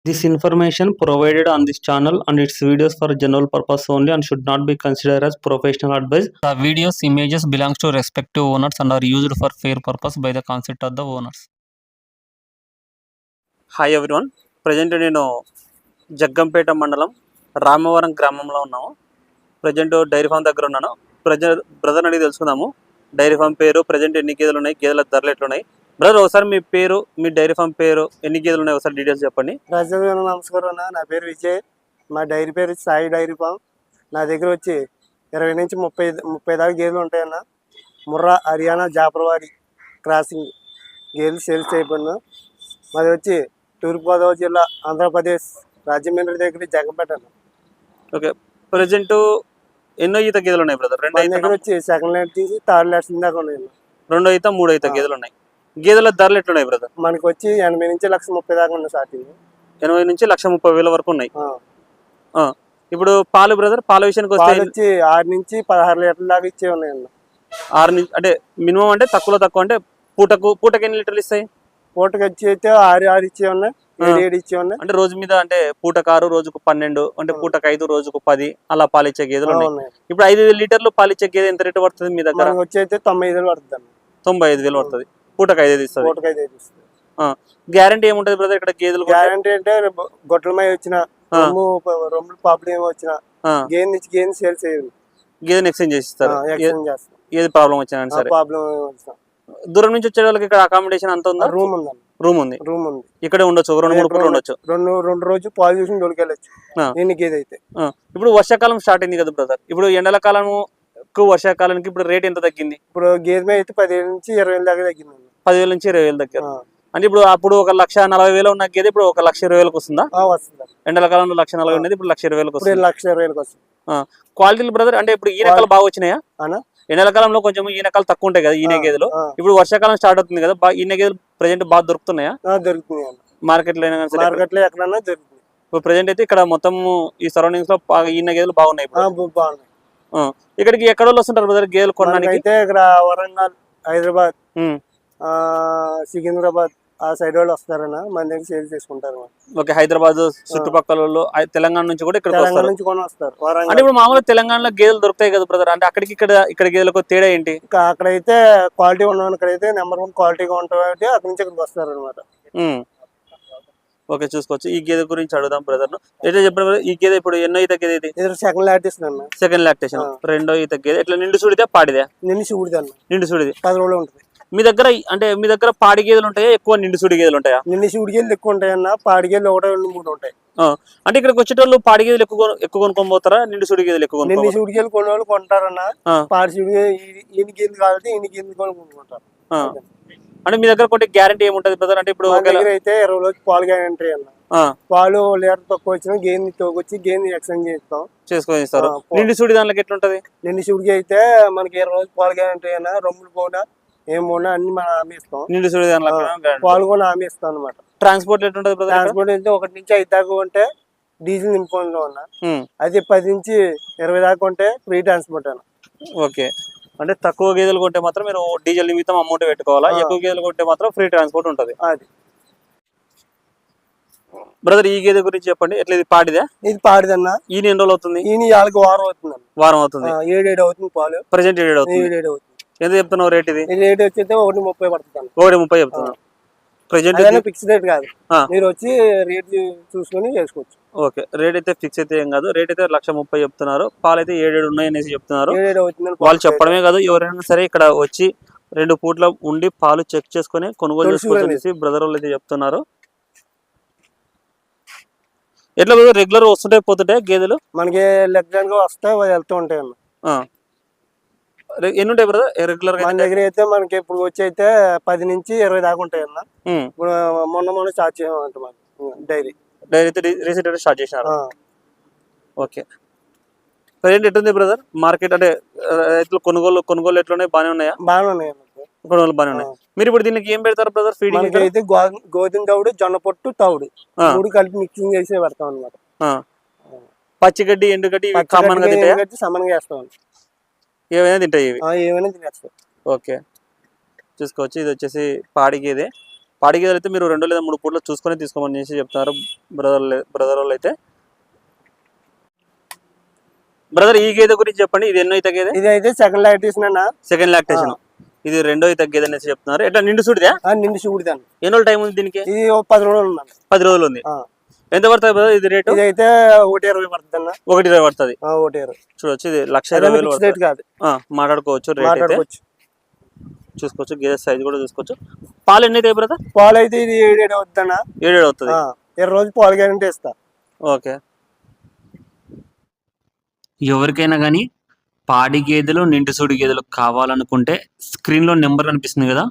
This information provided on this channel and its videos for general purpose only and should not be considered as professional advice. The videos images belongs to respective owners and are used for fair purpose by the consent of the owners. Hi everyone, present నేను జగ్గంపేట మండలం రామవరం గ్రామంలో ఉన్నాము. Present dairy farm దగ్గర ఉన్నాను. Brother అడిగి తెలుసుకుందాము dairy farm పేరు, present ఎన్ని గేదెలు ఉన్నాయి, గేదెల ధరలు ఎట్లున్నాయి. బ్రదర్ ఒకసారి మీ పేరు, మీ డైరీ ఫామ్ పేరు, ఎన్ని గేదెలు ఉన్నాయి ఒకసారి డీటెయిల్స్ చెప్పండి. నమస్కారం అన్న, నా పేరు విజయ్. మా డైరీ పేరు సాయి డైరీ ఫామ్. నా దగ్గర వచ్చి 20 నుంచి 30 దాకా గేదెలు ఉంటాయన్న. ముర్రా, హర్యానా, జాఫర్వాడి క్రాసింగ్ గేదెలు సేల్స్ చేయబడిన. మాది వచ్చి తూర్పుగోదావరి జిల్లా, ఆంధ్రప్రదేశ్, రాజమండ్రి దగ్గర జగ్గంపేట అన్న. ఓకే, ప్రజెంట్ ఎన్నో ఈత గేదెలు ఉన్నాయి బ్రదర్? మా దగ్గర వచ్చి సెకండ్ లైన్ తీసి థర్డ్ లైన్ దాకా ఉన్నాయి. 2 ఈత 3 ఈత గేదెలు ఉన్నాయి. గేదెల ధరలు ఎట్లున్నాయి బ్రదర్? మనకి వచ్చి 80 నుంచి 1,30,000 దాకా ఉన్నాయి. స్టార్టింగ్ 80 నుంచి 1,30,000 వరకు ఉన్నాయి. ఇప్పుడు పాలు బ్రదర్, పాల విషయానికి వస్తే వచ్చి 6 నుంచి 16 లీటర్ల దాకా ఇచ్చే ఉన్నాయన్న. 6 నుంచి అంటే మినిమం, అంటే తక్కువ అంటే పూటకి ఎన్ని లీటర్లు ఇస్తాయి? పూటకి వచ్చి అయితే 6 ఇచ్చే ఉన్నాయి, 7 ఇచ్చే ఉన్నాయి. అంటే రోజు మీద, అంటే పూటకు 6, రోజుకు 12, అంటే పూటకు 5, రోజుకు 10 అలా పాలిచ్చే గేదెలు ఉన్నాయి. ఇప్పుడు 5 లీటర్లు పాలిచ్చే గేదె ఎంత రేటు పడుతుంది మీ దగ్గర? వచ్చి అయితే 95,000 పడుతుంది. 95,000 పడుతుంది. పూటకు 5 ఇస్తుంది. పూటకి 5 ఇస్తుంది. గ్యారంటీ ఏముంటది బ్రదర్ ఇక్కడ గేదెలు? గ్యారంటీ అంటే గొడ్లమై వచ్చిన రొమ్ములు పాపలు ఏమో వచ్చిన గేదె సేల్ చేయాలి, గేదెని ఎక్స్చేంజ్ చేసిస్తారు. ఏది ప్రాబ్లం వచ్చినా సరే. ప్రాబ్లం దూరం నుంచి వచ్చే వాళ్ళకి ఇక్కడ అకామిడేషన్ అంత ఉందా? రూమ్ ఉంది. రూమ్ ఉంది. ఇక్కడే ఉండొచ్చు, 2-3 పూటలు ఉండొచ్చు. రెండు రోజు పాలు చూసి దొరికెళ్ళచ్చు ఎన్ని గేదె అయితే. ఇప్పుడు వర్షాకాలం స్టార్ట్ అయింది కదా బ్రదర్, ఇప్పుడు ఎండల కాలం వర్షాకాలానికి ఇప్పుడు రేట్ ఎంత తగ్గింది? ఇప్పుడు గేదె అయితే 10,000 నుంచి 20,000 దాకా తగ్గింది. 10,000 నుంచి 20,000 దగ్గర. అంటే ఇప్పుడు అప్పుడు 1,40,000 ఉన్న గేదె ఇప్పుడు 1,20,000 వస్తుందా? వస్తుంది. ఎండల కాలంలో 1,40,000 ఉన్నది ఇప్పుడు 1,20,000 వస్తుంది. 1,20,000 వస్తుంది. క్వాలిటీలు బ్రదర్, అంటే ఇప్పుడు ఈనకాలు బాగా వచ్చినాయా? ఎండల కాలంలో కొంచెం ఈనకాలు తక్కువ ఉంటాయి కదా ఈయన గేదెలు. ఇప్పుడు వర్షాకాలం స్టార్ట్ అవుతుంది కదా, ఈయన గేదెలు ప్రెజెంట్ బాగా దొరుకుతున్నాయా? దొరుకుతున్నాయి మార్కెట్ లో. మార్కెట్ లో ఎక్కడన్నా దొరుకుతుంది. ఇప్పుడు ప్రెజెంట్ అయితే ఇక్కడ మొత్తం ఈ సరౌండింగ్స్ లో ఈయన గేదెలు బాగున్నాయి. ఇక్కడికి ఎక్కడ వాళ్ళు వస్తుంటారు బ్రదర్ గేదెలు కొనడానికి? అయితే ఇక్కడ వరంగల్, హైదరాబాద్, సికింద్రాబాద్ ఆ సైడ్ వాళ్ళు వస్తారన్న, మన దగ్గర సేల్ చేసుకుంటారు. ఓకే, హైదరాబాద్ చుట్టుపక్కల వాళ్ళు, తెలంగాణ నుంచి కూడా ఇక్కడ వస్తారు. అంటే ఇప్పుడు మామూలుగా తెలంగాణలో గేదెలు దొరుకుతాయి కదా బ్రదర్, అంటే అక్కడికి ఇక్కడ గేదెలకు తేడా ఏంటి? అక్కడైతే క్వాలిటీ ఉన్నాను, ఇక్కడైతే నెంబర్ 1 క్వాలిటీగా ఉంటాయి, అక్కడి నుంచి ఇక్కడికి వస్తారు అనమాట. ఓకే, చూసుకోవచ్చు. ఈ గేదె గురించి అడుగుదాం బ్రదర్. ఎట్లా చెప్పారు ఈ గేదె ఇప్పుడు ఎన్నో ఈత గేదె? ఇది సెకండ్ లాక్టేషన్ అన్న. Second lactation. 2వ ఈత గేదె. ఎట్లా నిండు సూడిదా పాడిదా? నిండు సూడిదా అన్న. నిండు సూడిది 10 రోజులు ఉంటుంది. మీ దగ్గర పాడి గేదెలు ఉంటాయా, ఎక్కువ నిండు సూడి గేదెలు ఉంటాయా? నిండు సూడి గేదెలు ఎక్కువ ఉంటాయి అన్న, పాడి గేదెలు 1, 2, 3 ఉంటాయి. అంటే ఇక్కడికి వచ్చేటోళ్ళు పాడి గేదెలు ఎక్కువ కొనుక్కొని పోతారా, నిండు సూడి గేదెలు ఎక్కువ? నిండు సూడి గేదెలు కొన్ని వాళ్ళు కొంటారన్న, పాడి సూడి ఈయన గేదెలు కాబట్టి ఈయన గేదెలు కొనుక్కుంటారు. అంటే మీ దగ్గర కొంటే గ్యారంటీ ఏముంటది బ్రదర్? అంటే ఇప్పుడు అయితే 20 రోజులు పాలు గ్యారంటీ అన్న. పాలు లీటర్ తక్కువ వచ్చిన గేదెని తోకొచ్చి గేదెని ఎక్స్చేంజ్ చేసుకొని ఇస్తారు. నిండు సూడి దాంట్లో ఎట్లుంటది? నిండు సూడికి అయితే మనకి 20 రోజులు పాలు గ్యారంటీ అన్న. రొమ్ములు పోనా ఏం పోనా అన్ని మనం హామీ ఇస్తాం. నిండు సూడి దాంట్లో పాలు కూడా హామీ ఇస్తాం అనమాట. ట్రాన్స్పోర్ట్ ఎట్లుంటది బ్రదర్? ట్రాన్స్పోర్ట్ అయితే 1 నుంచి 5 దాకా ఉంటే డీజిల్ నింపుకుంటూ ఉన్నా, అది 10 నుంచి 20 దాకా ఉంటే ఫ్రీ ట్రాన్స్పోర్ట్ అన్న. ఓకే, అంటే తక్కువ గేదెలు కొంటే మాత్రం మీరు డీజిల్ నిమిత్తం అమౌంట్ పెట్టుకోవాలా, ఎక్కువ గేదెలు కొంటే మాత్రం ఫ్రీ ట్రాన్స్పోర్ట్ ఉంటది. అది బ్రదర్ ఈ గేదె గురించి చెప్పండి. ఎట్లా ఇది పాడిదా? ఇది పాడిదన్న. ఈయన ఎన్ని రోజులు అవుతుంది? ఈయన 4 వారం అవుతుంది. వారం అవుతుంది. 7 అవుతుంది పాలు. ప్రెసెంట్ 7 అవుతుంది. ఎంత చెప్తున్నావు రేట్? ఇది రేట్ వచ్చి 1,30 పడుతుంది. 1,30 చెప్తున్నావు. ప్రెసెంట్ ఫిక్స్ రేట్ కాదు, మీరు వచ్చి రేట్ చూసుకొని చేసుకోవచ్చు. ఓకే, రేట్ అయితే ఫిక్స్ అయితే ఏం కాదు. రేట్ అయితే 1,30,000 చెప్తున్నారు. పాలు అయితే 7 ఉన్నాయి అనేసి చెప్తున్నారు. వాళ్ళు చెప్పడమే కాదు, ఎవరైనా సరే ఇక్కడ వచ్చి 2 పూట్ల ఉండి పాలు చెక్ చేసుకుని కొనుగోలు చేసుకోవచ్చు బ్రదర్ వాళ్ళు అయితే చెప్తున్నారు. ఎట్లా రెగ్యులర్ వస్తుంటాయి పోతుంటాయి గేదెలు? మనకి రెగ్యులర్ గా వస్తాయి, వెళ్తూ ఉంటాయి అన్న. ఎన్ని ఉంటాయి బ్రదర్ రెగ్యులర్ గా? మన దగ్గర అయితే మనకి ఇప్పుడు వచ్చి అయితే 10 నుంచి 20 దాకా ఉంటాయి అన్న. ఇప్పుడు మొన్న స్టార్ట్ చేయమంట డైరీ అయితే రీసెంట్ స్టార్ట్ చేసినారు. ఓకే, ప్రజెంట్ ఎట్లుంది బ్రదర్ మార్కెట్? అంటే రైతులు కొనుగోలు ఎట్లున్నాయి? బాగానే ఉన్నాయా? బాగానే ఉన్నాయి, కొనుగోలు బాగానే ఉన్నాయి. మీరు ఇప్పుడు దీనికి ఏం పెడతారు బ్రదర్ ఫీడింగ్? అయితే గోధుమ తవుడు, జొన్న పొట్టు, తవుడు 3 కలిపి మిక్సింగ్ చేసి పెడతాం అనమాట. పచ్చిగడ్డి, ఎండుగడ్డి సమానంగా వేస్తాం. ఏమైనా తింటాయి ఇవి? ఏమైనా తినేస్తాం. ఓకే, చూసుకోవచ్చు. ఇది వచ్చేసి పాడి గేదె. పాడి గేదెలు అయితే మీరు 2 లేదా 3 పూటలు చూసుకొని తీసుకోమని చెప్తున్నారు బ్రదర్ వాళ్ళు అయితే. బ్రదర్ ఈ గేదె గురించి చెప్పండి, ఇది ఎన్నో ఈత గేదె? ఇది అయితే సెకండ్ లాక్టేషన్ అన్న. Second lactation. ఇది 2వ ఈత గేదె అనేసి చెప్తున్నారు. ఎట్లా నిండు సుడిదా? నిండు చూడదాను. ఎన్ని రోజులు టైం ఉంది దీనికి? ఇది 10 రోజులు ఉందండి. 10 రోజులు ఉంది. ఎంత పడుతుంది బ్రదర్ ఇది రేటు? ఇది అయితే 1.20 పడుతుంది అన్న. 1.20 పడుతుంది. 1.20 చూడొచ్చు, ఇది 1,20,000 రేట్ కాదు. మాట్లాడుకోవచ్చు, రేట్ అయితే చూసుకోవచ్చు. గేదె సైజ్ కూడా చూసుకోవచ్చు. పాలు ఎన్ని అవుతాయి బ్రదర్? పాలు అయితే ఇది 7 అవుతుంది అన్న. 7 అవుతుంది. 20 రోజులు పాలు గ్యారెంటీ ఇస్తా. ఓకే. ఎవరికైనా కానీ పాడి గేదెలు నిండు సూడి గేదెలు కావాలనుకుంటే స్క్రీన్లో నెంబర్ కనిపిస్తుంది కదా,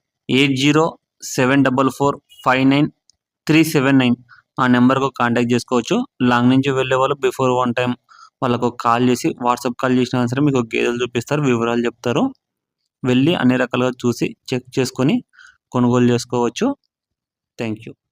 8074459379 ఆ నెంబర్కు కాంటాక్ట్ చేసుకోవచ్చు. లాంగ్ నుంచి వెళ్ళే వాళ్ళు బిఫోర్ 1 టైం వాళ్ళకు కాల్ చేసి వాట్సాప్ కాల్ చేసినా సరే మీకు గేదెలు చూపిస్తారు, వివరాలు చెప్తారు. వెళ్ళి అన్ని రకాలుగా చూసి చెక్ చేసుకొని కొనుగోలు చేసుకోవచ్చు. Thank you.